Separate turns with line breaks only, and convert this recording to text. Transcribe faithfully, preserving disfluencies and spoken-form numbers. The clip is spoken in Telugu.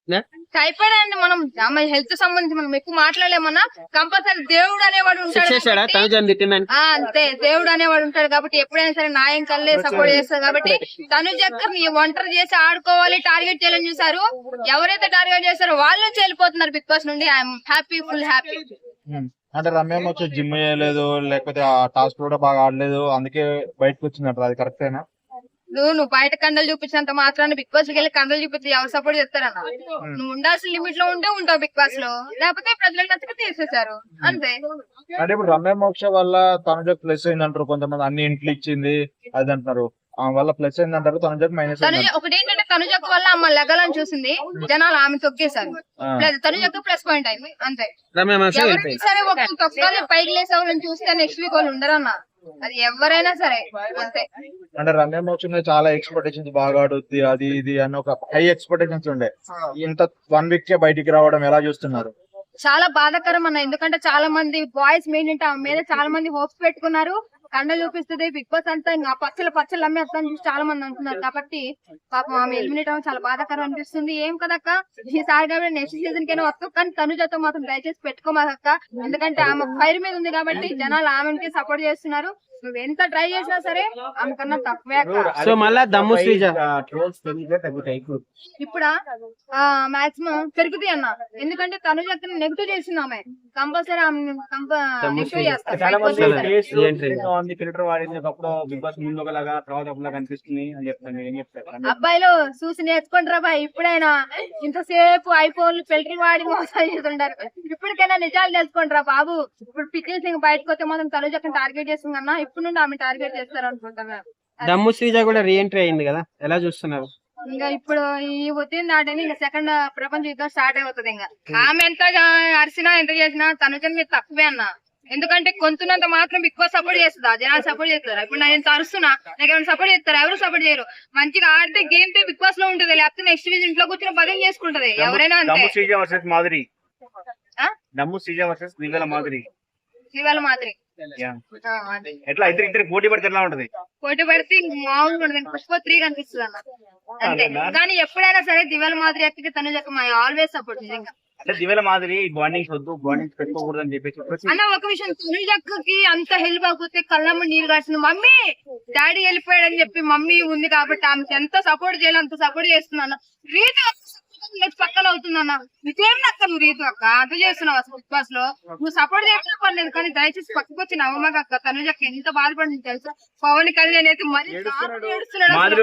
టైఫాయిడ్ అండి మనం మన హెల్త్ సంబంధించి మనం ఎక్కువ మాట్లాడలేమన్నా కంపల్సరీ దేవుడు అనేవాడు ఉంటాడు. ఆ, అంతే దేవుడు అనేవాడు ఉంటాడు కాబట్టి ఎప్పుడైనా సరే న్యాయం కల్లే సపోర్ట్ చేస్తారు కాబట్టి తనుజక్క నీ ఒంటరి చేసి ఆడుకోవాలి టార్గెట్ చేయాలని చూసారు. ఎవరైతే టార్గెట్ చేస్తారో వాళ్ళు నుంచి వెళ్ళిపోతున్నారు బిగ్ బాస్ నుండి. I'm happy, full happy.
అంటే రమ్య వచ్చి జిమ్ చేయలేదు, లేకపోతే ఆ టాస్క్ కూడా బాగా ఆడలేదు, అందుకే బయటకు వచ్చిందంటారు. అది కరెక్టేనా?
నువ్వు నువ్వు బయట కండలు చూపించినంత మాత్రాన్ని బిగ్ బాస్ వెళ్ళి కండలు చూపించి ఎవరు సపోర్ట్ చేస్తారన్న? నువ్వు ఉండాల్సిన లిమిట్ లో ఉంటే ఉంటావు బిగ్ బాస్ లో, లేకపోతే ప్రజలకు నచ్చక తీసేశారు అంతే.
అంటే ఇప్పుడు రమ్య మోక్ష వల్ల తనుజకు ప్లస్ అయిందంటారు కొంతమంది, అన్ని ఇంట్లు ఇచ్చింది అది అంటున్నారు. ఆ వల్ల ప్లస్ అయిందంటారు, తనుజకు మైనస్
తనుజ ఒకటి ఏంటంటే తనుజకు వల్ల అమ్మ లెగలని చూసింది, జనాలు ఆమె తొక్కేశారు. తనుజకు ప్లస్ పాయింట్ అయింది అంతే. ఎవరైనా సరే ఒక తొక్కాలి పైకి లేసేవాళ్ళని చూస్తే నెక్స్ట్ వీక్ వాళ్ళు ఉండరన్న, అది ఎవరైనా సరే అంతే.
అంటే రమ్య మోక్ష మీద చాలా ఎక్స్పెక్టేషన్స్, బాగా ఆడుద్ది అది ఇది అని ఒక హై ఎక్స్పెక్టేషన్స్ ఉండే. ఇంత వన్ వీక్ కే బయటికి రావడం ఎలా చూస్తున్నారు?
చాలా బాధాకరం అన్న, ఎందుకంటే చాలా మంది బాయ్స్ మెయిన్ అంటే ఆమె మీద చాలా మంది హోప్స్ పెట్టుకున్నారు. కండ చూపిస్తుంది బిగ్ బాస్ అంతా ఇంకా పచ్చలు పచ్చలు అమ్మేస్తాను చూసి చాలా మంది అంటున్నారు. కాబట్టి పాపం ఆమె ఎలిమినేట్ అవ్వడం చాలా బాధాకరం అనిపిస్తుంది. ఏం కదక్క, ఈసారి కాబట్టి నెక్స్ట్ సీజన్ కైనా వస్తావు, కానీ తనుజతో మాత్రం దయచేసి పెట్టుకోమాక. ఎందుకంటే ఆమె ఫైర్ మీద ఉంది కాబట్టి జనాలు ఆమెకి సపోర్ట్ చేస్తున్నారు. నువ్వు ఎంత ట్రై చేసినా సరే ఆమె కన్నా తక్కువే.
సో మళ్ళా దమ్ము శ్రీజ
ఇప్పుడు మాక్సిమం పెరుగుతాయి అన్న, ఎందుకంటే తనుజ నెగిటివ్ చేసింది ఆమె, కంపల్సరీ ఆమె నెగిటివ్ చేస్తారు.
ఫిల్టర్ వాడినప్పుడు బిగ్ బాస్ ముందు ఒకలాగా తర్వాత ఒకలాగా కనిపిస్తుంది అని చెప్తాను. ఏం చెప్తారు
అబ్బాయిలు చూసి నేర్చుకుంటారా బాయ్? ఇప్పుడైనా ఇంతసేపు ఐఫోన్లు ఫిల్టర్ వాడి మోసాలు చేస్తుంటారు, ఇప్పటికైనా నిజాలు తెలుసుకుంటారా బాబు? ఇప్పుడు పికిల్ సింగ్ బయటకు వస్తే మాత్రం తనుజ టార్గెట్ చేస్తుంది అన్న, ఇప్పుడు నుండి ఆమె టార్గెట్ చేస్తారు అనుకుంటున్నా.
దమ్ము శ్రీజ కూడా రీఎంట్రీ అయింది కదా, ఎలా చూస్తున్నారు?
ఇంకా ఇప్పుడు ఈ వచ్చింది దాటని ఇంకా సెకండ్ ప్రపంచ యుద్ధం స్టార్ట్ అయిపోతుంది. ఇంకా ఆమె ఎంత అరిసినా ఎంత చేసినా తనుజన్ మీద తక్కువే అన్న, ఎందుకంటే కొంతున్నంత మాత్రం బిగ్ బాస్ సపోర్ట్ చేస్తుందా? జనాలు సపోర్ట్ చేస్తారా? ఇప్పుడు నేను అరుస్తున్నా, నాకు ఏమైనా సపోర్ట్ చేస్తారా? ఎవరు సపోర్ట్ చేయరు. మంచిగా ఆడితే గేమ్ తో బిగ్ బాస్ లో ఉంటది, లేకపోతే నెక్స్ట్ వీక్ ఇంట్లో కూర్చొని బదిలీ చేసుకుంటది ఎవరైనా అంతే.
మాదిరి దమ్ము శ్రీజ వర్సెస్ దివ్యల మాదిరి
ఇవాళ మాదిరి
ఎట్లా ఇద్దరు ఇద్దరు పోటీ పడితే ఎట్లా ఉంటది?
పోటీ పడితే మామూలుగా ఉండదు, పుష్ప త్రీ కనిపిస్తుంది అన్న అంతే. కానీ ఎప్పుడైనా సరే దివ్యాల మాదిరి ఎక్కడికి తనుజకు ఆల్వేస్ సపోర్ట్ నిజంగా.
అంటే దివ్యల మాదిరి బాండింగ్స్ వద్దు, బాండింగ్స్ పెట్టుకోకూడదు అని చెప్పేసి
అన్న ఒక విషయం, తనుజకి అంత హెల్ప్ అయిపోతే కళ్ళమ్మ నీళ్ళు కాసిన మమ్మీ డాడీ వెళ్ళిపోయాడని చెప్పి మమ్మీ ఉంది కాబట్టి ఆమెకి ఎంత సపోర్ట్ చేయాలి అంత సపోర్ట్ చేస్తున్నాను. రీతి పక్కన అవుతుందన్న, నీకేం నక్క నువ్వు రీతు అక్క అంత చేస్తున్నావు అసలు బిగ్ బాస్ లో. నువ్వు సపోర్ట్ చేయడం పర్లేదు, కానీ దయచేసి పక్కకు వచ్చి నవ్వమాక. తనుజకి ఎంత బాధపడింది తెలుసా? పవన్ కళ్యాణ్ అయితే మరి ఏడుస్తున్నాడు.